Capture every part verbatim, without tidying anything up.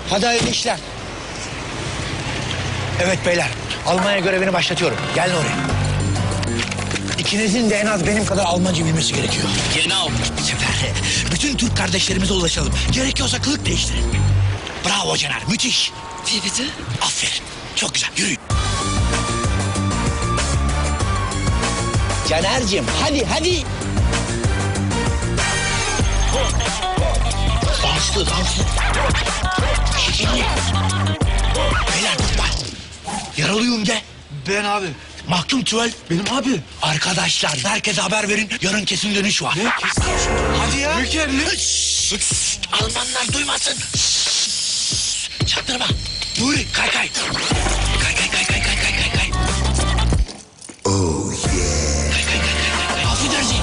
Hadi hayırlı işler. Evet beyler, Almanya görevini başlatıyorum. Gelin oraya. İkinizin de en az benim kadar Almanca bilmesi gerekiyor. Genau. Bu sefer bütün Türk kardeşlerimize ulaşalım. Gerekiyorsa kılık değiştirin. Bravo Caner, müthiş. Wie bitte? Aferin, çok güzel, yürüyün. Caner'cim, hadi hadi. Danslı, danslı. Şişinli. Beyler tutma. Yaralıyım de. Ben abi. Mahkum Tüvel. Benim abi. Arkadaşlar herkese haber verin. Yarın kesin dönüş var. Ne? Kesin. Hadi ya. Ülkerli. Şşş, şşş, Almanlar duymasın. Şşş, çaktırma. Nuri kay kay. Kay kay kay kay kay kay kay kay. Oh yeah. Kay kay kay kay kay. Affedersin.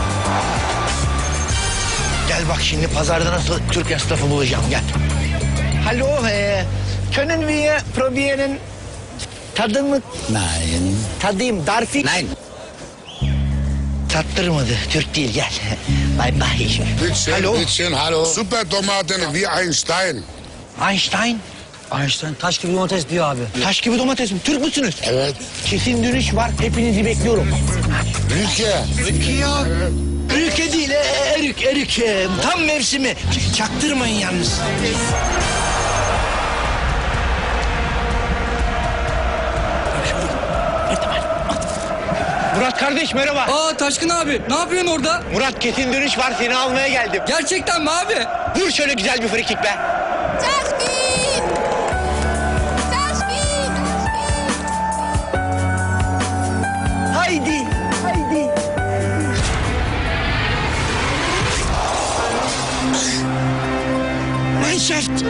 Gel bak şimdi pazarda nasıl Türk esnafı bulacağım gel. Hallo, e, können wir probieren tadımı? Nein. Tadayım, Darfik. Nein. Tattırmadı, Türk değil gel. Bay bay. Bittchen, Hallo, bittchen, hallo. Super Tomaten wie ein Stein. Einstein. Einstein taş gibi domates diyor abi. Taş gibi domates mi? Türk müsünüz? Evet. Kesin dönüş var, hepinizi bekliyorum. Ülke. Ülke ya. Ülke değil, e, erik, erik. e, Tam mevsimi. Ç- Çaktırmayın yalnız. Murat kardeş merhaba. Aa Taşkın abi ne yapıyorsun orada? Murat kesin dönüş var, seni almaya geldim. Gerçekten mi abi? Vur şöyle güzel bir frikik be. Taşkın! Taşkın! Haydi, haydi. Mannschaft.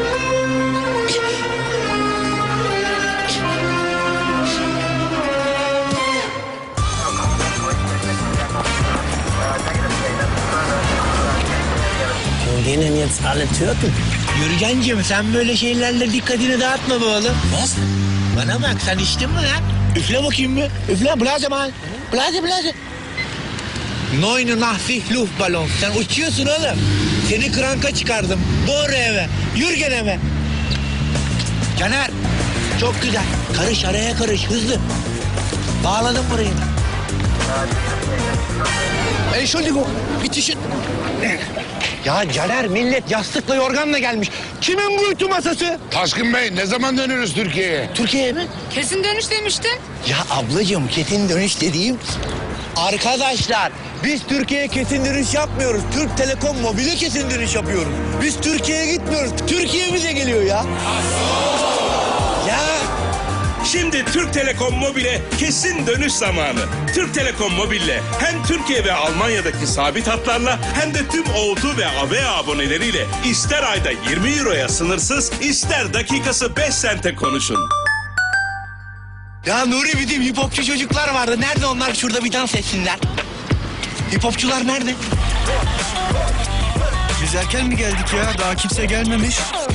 Wo gehen denn jetzt alle Türken? Yürügencim sen böyle şeylerle dikkatini dağıtma be oğlum. Was? Bana bak sen içtin mi lan? Üfle bakayım bir. Üfle blaze mal. Blaze blaze. Neune Nachtschicht Luftballon. Sen uçuyorsun oğlum. Seni kranka çıkardım. Doğru eve. Yürgen eve. Caner. Çok güzel. Karış araya karış hızlı. Bağladım burayı. Entschuldigung. Bitişin. Ya Caner millet yastıkla yorganla gelmiş. Kimin bu ütü masası? Taşkın Bey ne zaman dönüyoruz Türkiye'ye? Türkiye'ye mi? Kesin dönüş demiştin. Ya ablacığım kesin dönüş dediğim... Arkadaşlar biz Türkiye'ye kesin dönüş yapmıyoruz. Türk Telekom Mobil'e kesin dönüş yapıyoruz. Biz Türkiye'ye gitmiyoruz. Türkiye bize geliyor ya. Ya Şimdi Türk Telekom Mobil'e kesin dönüş zamanı. Türk Telekom Mobil'le hem Türkiye ve Almanya'daki sabit hatlarla hem de tüm O iki ve A V A aboneleriyle ister ayda yirmi euroya sınırsız, ister dakikası beş sente konuşun. ya Nuri bizim hip hopçu çocuklar vardı. Nerede onlar? Şurada bir dans etsinler. Hip hopçular nerede? Biz erken mi geldik ya? Daha kimse gelmemiş.